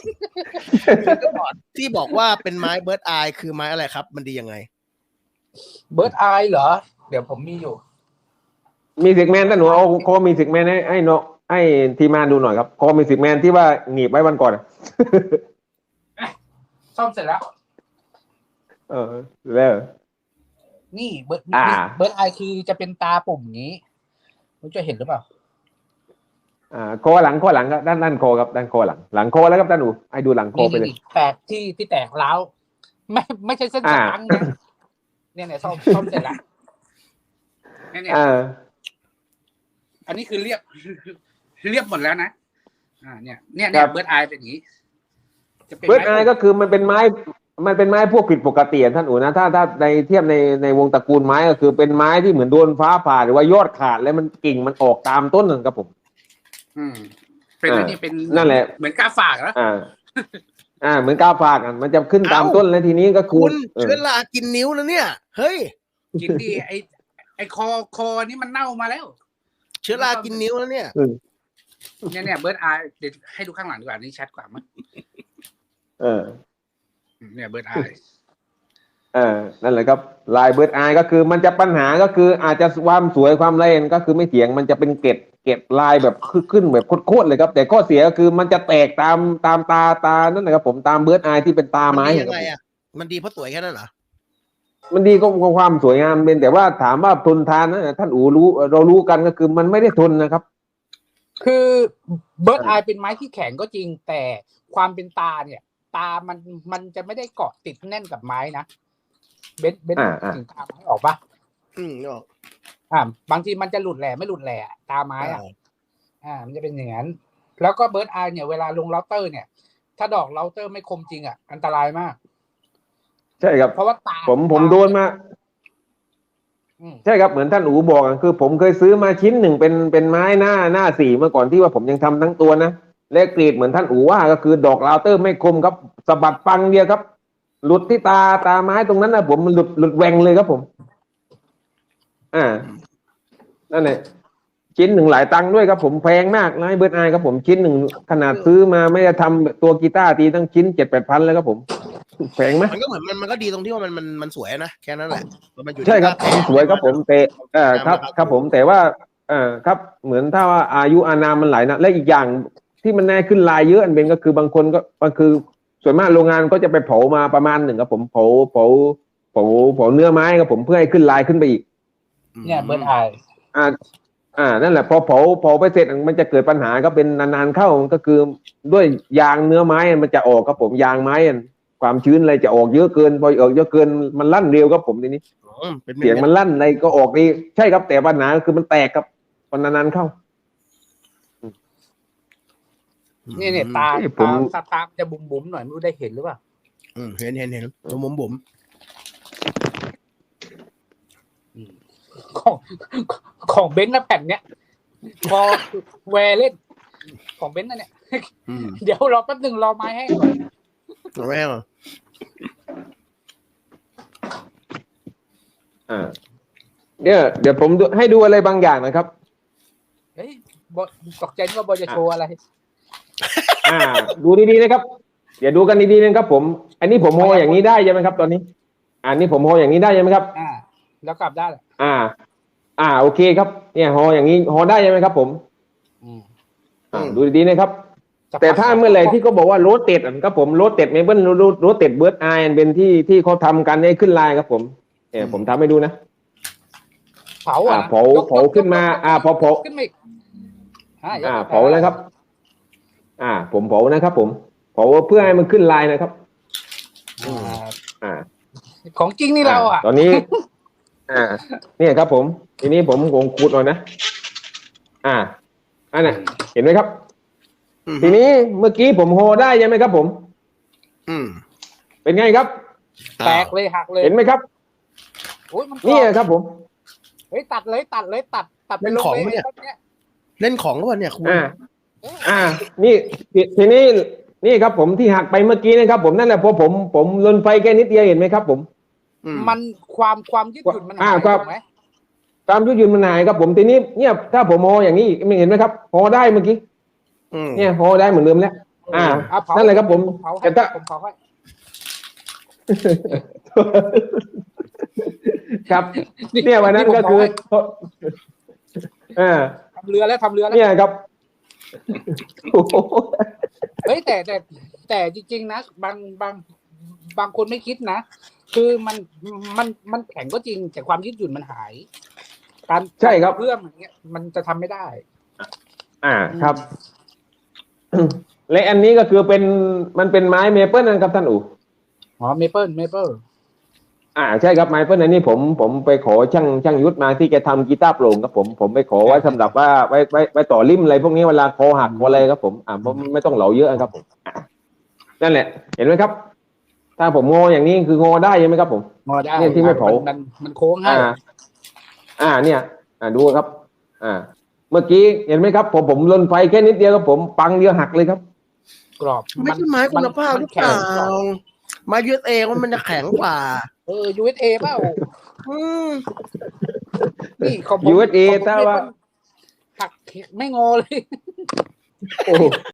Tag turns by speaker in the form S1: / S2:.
S1: ที่บอกว่าเป็นไม้เบิร์ดอายคือไม้อะไรครับมันดียังไง
S2: เบิร์ดอายเหรอเดี๋ยวผมมีอยู่
S3: มีสิกแมนถ้าหนูเอาโคมีสิกแมนให้เนาะให้ทีมงานดูหน่อยครับโคมีสิกแมนที่ว่าหนีบไว้วันก่อน
S2: ซ่อมเสร็จแล้ว
S3: แล้ว
S2: นี่เบิร์ดอายคือจะเป็นตาปุ่มนี้มันจะเห็นหรือเปล่า
S3: โคหลังครับด้านโคครับด้านโคหลังโคแล้วครับท่านหนูให้ดูหลังโคไปเลย
S2: แตกที่แตกร้าวไม่ใช่เส้นสตังค์นะเนี่ยซ่อมเสร็จแล้วเนี่ยอันนี้คือเรียบหมดแล้วนะเนี่ยเบิร์ดอายเป็นอย่างนี้
S3: เบิร์ดอายก็คือมันเป็นไม้พวกผิดปกติท่านอู๋นะถ้าในเทียบในวงตระกูลไม้ก็คือเป็นไม้ที่เหมือนโดนฟ้าผ่าหรือว่ายอดขาดแล้วมันกิ่งมันออกตามต้นนั่นครับผม
S2: เป็นนี่เป็น
S3: นั่นแหละ
S2: เหมือนกาฝากแล้ว
S3: เหมือนกาฝากมันจะขึ้นตามต้นแล้วทีนี้ก็
S1: คุณเชื้อรากินนิ้วแล้วเนี่ยเฮ้ย
S2: กินดีไอคอนี่มันเน่ามาแล้ว
S1: เชื้อรากินนิ้วแล้วเนี่ย
S2: เบิร์ดอายเดี๋ยวให้ดูข้างหลังดีกว่านี่ชัดกว่ามั้ยเนี่ยเบิร์ดอาย
S3: นั่นแหละครับลายเบิร์ดอายก็คือมันจะปัญหาก็คืออาจจะความสวยความละเอียดก็คือไม่เถียงมันจะเป็นเกล็ดลายแบบขึ้นแบบโคตรเลยครับแต่ข้อเสียก็คือมันจะแตกตามตานั่นนะครับผมตามเบิร์ดอายที่เป็นตาไม้
S1: ยังไงอ่ะมันดีเพราะสวยแค่นั้นเหรอ
S3: มันดีก็ความสวยงามเป็นแต่ว่าถามว่าทนทานนะท่านอู๋เรารู้กันก็คือมันไม่ได้ทนนะครับ
S2: คือเบิร์ดอายเป็นไม้ที่แข็งก็จริงแต่ความเป็นตาเนี่ยตามันจะไม่ได้เกาะติดแน่นกับไม้นะเบนถึงตาไม้ออกปะ
S1: ออก
S2: บางทีมันจะหลุดแหล่ไม่หลุดแหล่ตาไม้มันจะเป็นอย่างนั้นแล้วก็เบิร์ดอายเนี่ยเวลาลงเราเตอร์เนี่ยถ้าดอกเราเตอร์ไม่คมจริงอันตรายมาก
S3: ใช่ครับ
S2: เพราะว่าตา
S3: ผมโดนมาใช่ครับเหมือนท่านอู๋บอกคือผมเคยซื้อมาชิ้นหนึ่งเป็นไม้หน้า4เมื่อก่อนที่ว่าผมยังทำทั้งตัวนะและกรีดเหมือนท่านอู๋ว่าก็คือดอกลาวเตอร์ไม่คมครับสะบัดปังเดียวครับหลุดที่ตาไม้ตรงนั้นนะผมมันหลุดแหว่งเลยครับผมนั่นแหละชิ้นหนึ่งหลายตังค์ด้วยครับผมแพงมากนะเบิร์ดอายครับผมชิ้นหนึ่งขนาดซื้อมาไม่ได้ทำตัวกีตาร์ตีตั้งชิ้น 7-8 พันแล้วครับผมแพงไหม
S1: มันก็เหมือนมันก็ดีตรงที่ว่ามันสวยนะแค่นั้นแหละ
S3: ใช่ครับสวยครับผมแต่ครับผมแต่ว่าครับเหมือนถ้าว่าอายุอานามมันหลายนะและอีกอย่างที่มันแน่ขึ้นลายเยอะอันเป็นก็คือบางคนก็คือส่วนมากโรงงานก็จะไปเผามาประมาณหนึ่งครับผมเผาเนื้อไม้ครับผมเพื่อให้ขึ้นลายขึ้นไปอีก
S2: เนี่ยเบิร์ดอาย
S3: นั่นแหละพอเผาไปเสร็จมันจะเกิดปัญหาก็เป็นนานๆเข้าก็คือด้วยยางเนื้อไม้มันจะออกครับผมยางไม้ความชื้นอะไรจะออกเยอะเกินพอออกเยอะเกินมันลั่นเร็วครับผมทีนี้เสียงมันลั่นอะไรก็ออกดีใช่ครับแต่ปัญหาคือมันแตกครับพอนานๆเข้า
S2: เนี่ยตาจะบุ๋มๆหน่อยไม่รู้ได้เห็นหรือเปล่า
S1: เห็นตัวบุ๋ม
S2: ของเบนซ์นะแผ่นเนี้ยพอแวร์เล่นของเบนซ์นะเนี่ยเดี๋ยวรอแป๊บนึงรอไม้ให้ก่อน
S1: รอไม้ให้ก่อน
S3: เดี๋ยวผมให้ดูอะไรบางอย่างนะครับ
S2: เฮ้ยตกใจว่าบอจะโชว์อะไร
S3: ดูดีๆนะครับอย่าดูกันดีๆนะครับผมอันนี้ผมโฮอย่างนี้ได้ใช่ไหมครับตอนนี้อันนี้ผมโฮอย่างนี้ได้ใช่ไหมครับ
S2: แล้วกลับได้
S3: โอเคครับเนี่ยโฮอย่างนี้โฮได้ใช่ไหมครับผมดูดีๆนะครับแต่ถ้าเมื่อไหร่ที่เขาบอกว่าโรสเต็ดครับผมโรสเต็ดเมเบิลโรสเต็ดเบิร์ดอายเป็นที่เขาทำกันให้ขึ้นลายครับผมผมทำให้ดูนะ
S2: เผา
S3: ขึ้นมาพอเผาขึ้นมาเผาแล้วครับผมเผานะครับผมเผาเพื่อให้มันขึ้นลายนะครับ
S2: ของจริงนี่เรา
S3: ตอนนี้เนี่ยครับผมทีนี้ผมคงขูดหน่อยนะอันน่ะเห็นไหมครับทีนี้เมื่อกี้ผมโฮได้ใช่ไหมครับผมเป็นไงครับ
S2: แตกเลยหักเลย
S3: เห็นไหมครับนี่ครับผม
S2: ตัด
S1: เล่นของเนี่ยเล่นของก็เนี่ยคุณ
S3: นี่ทีนี้นี่ครับผมที่หักไปเมื่อกี้นะครับผมนั่นแหละพอผมลนไฟแค่นิดเดียวเห็นไหมครับผม
S2: มันความยืดหยุ่นมันหายถูกไหม
S3: ความยืดหยุ่นมันหายครับผมทีนี้เนี่ยถ้าผมโฮอย่างนี้ไม่เห็นไหมครับโฮได้เมื่อกี้เนี่ยโฮได้เหมือนเดิมแล้วนั่นเลยครับผม
S2: เผาให้
S3: แต่ถ้า
S2: ผมเผาให้
S3: ครับเนี่ยวันนั้นก็คือ
S2: ทำเรือแล้ว
S3: เนี่ยครับ
S2: เฮ้ยแต่จริงๆนะบางคนไม่คิดนะคือมันแข็งก็จริงแต่ความยืดหยุ่นมันหายการ
S3: ใช่ครับ
S2: เรื่องอย่างเงี้ยมันจะทำไม่ได้
S3: ครับ และอันนี้ก็คือมันเป็นไม้เมเปิลนะครับท่านอู๋
S2: อ๋อเมเปิล
S3: ใช่ครับไมเปิลอันนี้ผมไปขอช่างยุทธมาที่แกทำกีตาร์โปร่งครับผมไปขอไว้สำหรับว่าไว้ต่อริมอะไรพวกนี้เวลาคอหักคออะไรครับผมผมไม่ต้องเหลาเยอะครับผมนั่นแหละ เห็นไหมครับ ถ้าผมงออย่างนี้คืองอได้ใช่ไหมครับผม
S2: งอได้
S3: เนี่ยที่ไม่เผา
S2: มันโค้งให้
S3: เนี่ยดูครับ เมื่อกี้เห็นไหมครับผมลนไฟแค่นิดเดียวครับผมปังเดียวหักเลยครับ
S2: กรอบ
S1: ไม่ใช่ไม้คุณภาพหรือเปล่าไม้ยืดเองว่ามันจะแข็งกว่า
S2: USA เปล่า นี่ของผม
S3: USA ถ้าว่า
S2: หักไม่งอเลย
S3: โอ้